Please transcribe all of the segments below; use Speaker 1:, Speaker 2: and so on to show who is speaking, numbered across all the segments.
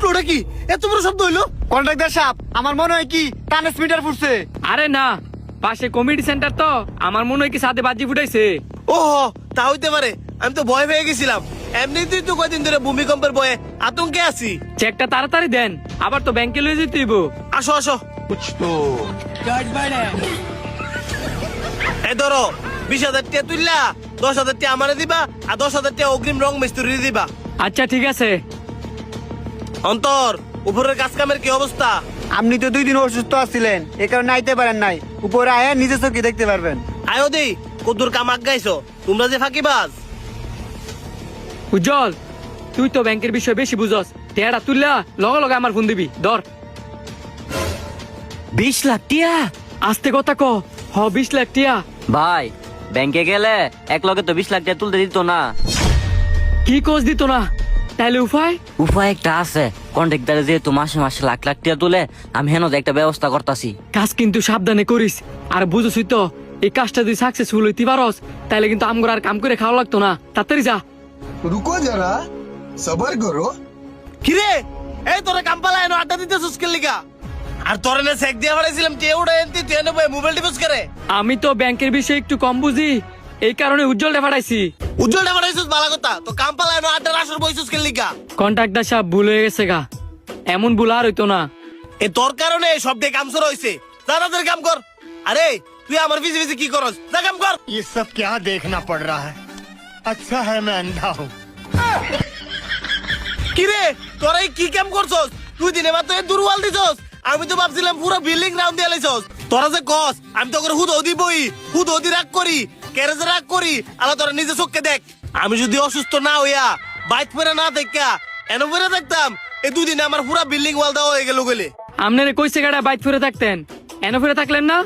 Speaker 1: ফুটলোটা কি এত বড় শব্দ হইলো?
Speaker 2: কন্ট্রাক্টর সাহেব, আমার মনে হয় কি ট্রান্সমিটার ফুটছে।
Speaker 3: আরে না, পাশে কমিটি সেন্টার তো, আমার মনে হয় কি সাথে বাজি ফুটাইছে।
Speaker 1: ও তা হইতে পারে, আমি তো ভয় পেয়ে গেছিলাম। এমনিতেই তো কয়দিন ধরে ভূমিকম্পের ভয়ে আতঙ্কে আছি।
Speaker 3: চেকটা তাড়াতাড়ি দেন, আবার তো ব্যাংকে লয়ে যেতে হইব।
Speaker 1: আসো আসো, এই ধরো 20,000 টাকা তুললা, 10,000 টাকা আমারে দিবা আর 10,000 টাকা অগ্রিম রং মিস্ত্রি দিবা।
Speaker 3: আচ্ছা ঠিক আছে।
Speaker 1: অন্তর, উপরের কাজ কামের কি অবস্থা?
Speaker 2: আপনি তো 2 দিন অসুস্থ আছিলেন, এ কারণে আইতে পারেন নাই। উপরে আয়া নিজে চোখে দেখতে পারবেন।
Speaker 1: আয়ো দেই কদ্দুর কাম আগাইছো, তোমরা যে ফাঁকিবাজ।
Speaker 3: উজ্জ্বল, তুই তো ব্যাংকের বিষয়ে বেশি বুঝস, টেয়ারা তুললা লগে লগে আমার ফোন দিবি। ধর
Speaker 4: 20 লাখ টিয়া।
Speaker 3: আস্তে কথা ক। 20 লাখ টিয়া।
Speaker 4: ভাই ব্যাংকে গেলে এক লগে তো 20 লাখ টাকা তুলতে দিত না।
Speaker 3: কি কোচ দিত না? তাইলে উপায়?
Speaker 4: উপায় একটা আছে, কন্ট্রাক্টরে যেহেতু মাসে মাসে লাখ লাখ টাকা তুলে, আমি হেন একটা ব্যবস্থা করতেছি।
Speaker 3: কাজ কিন্তু সাবধানে করিস। আর বুঝছিস তো, এই কাজটা যদি সাকসেসফুল হইতে পারস, তাইলে কিন্তু আমগর আর কাম করে খাওয়া লাগতো না। তাড়াতাড়ি যা।
Speaker 5: रुको जरा सबर करो।
Speaker 1: কিরে, এই তোরে কাম পালায় না আড্ডা দিতে সুস্কেল লিগা? আর তোরে না চেক দিয়ে বাড়াইছিলাম, তে ওটা এনতি তুই এনে মোবাইল টিপস করে।
Speaker 3: আমি তো ব্যাংকের বিষয়ে একটু কম বুঝি, এই কারণে উজ্জ্বলটা পাঠাইছি।
Speaker 1: উজ্জ্বলটা বাড়াইছিস ভালো কথা, তো কাম পালায় না আড্ডার আসর বই সুস্কেল লিগা।
Speaker 3: কন্ট্রাক্টর সাহেব ভুল হয়ে গেছে গা, এমন ভুল আর হইতো না।
Speaker 1: এ তোর কারণে সব দিয়ে কাম শুরু হইছে। যা তাদের কাম কর। আরে তুই আমার পিছে পিছে কি করস? যা কাম কর।
Speaker 6: ये सब क्या देखना पड़ रहा है? अच्छा है मैं अंधा हूँ।
Speaker 1: কিরে, তোরা এই কি কাম করছস? তুই দিনে মাত্র এই দুর্বল দিছস। আমি তো ভাবছিলাম পুরো বিল্ডিং রাউন্ড দিয়ে লাইছস। তোরা যে কস, আমি তো করে হুদ ওদি বই, হুদ ওদি রাগ করি, ক্যারেজে রাগ করি। আলা তোরা নিজে চোখকে দেখ। আমি যদি অসুস্থ না হইয়া বাইক পরে না দেখা এনে পরে দেখতাম, এই দুদিনে আমার পুরো বিল্ডিং ওয়াল দেওয়া হয়ে গেল গেলে।
Speaker 3: আপনারে কইছে গাড়া বাইক ফিরে থাকতেন, এনে ফিরে থাকলেন না?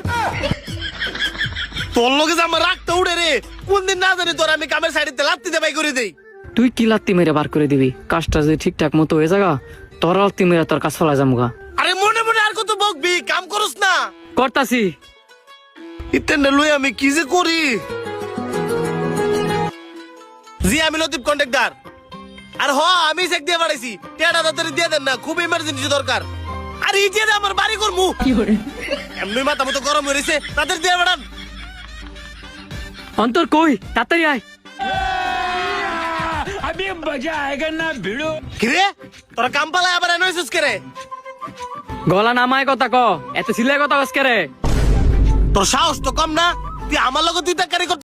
Speaker 1: তোর লগে যে আমার রাগটা উড়ে রে, কোন দিন না জানি তোর আমি কামের সাইডে লাত্তিতে বাই করে দেই।
Speaker 3: তুই কি লাত্তি মেরে বার করে দিবি? কাজটা যদি ঠিকঠাক মতো হয়ে যাগা, তোর লাত্তি মেরে তোর কাজ ফলা যামুগা।
Speaker 1: আরে মনে মনে আর কত বকবি, কাম করস না।
Speaker 3: করতাছি।
Speaker 1: ইতেনে লই আমি কি যে করি। জি আমি লতিফ কন্ট্রাক্টর। আর আমি চেক দিয়ে বাড়াইছি, টেড়া তাড়াতাড়ি দিয়ে দেন না, খুব ইমার্জেন্সি দরকার। আর এই যে আমার বাড়ি করমু এমনি মাথা মতো গরম হয়েছে, তাদের দিয়ে বাড়ান।
Speaker 3: অন্তর কই, তাড়াতাড়ি আয়।
Speaker 1: কিরে, তোরা কাম পালায় আবার এনে হইছিস কে রে?
Speaker 3: গলা নামায় কথা ক, এত সিলাই কথা কস কে রে?
Speaker 1: তোর সাহস তো কম না, তুই আমার লগে তুই তাকারি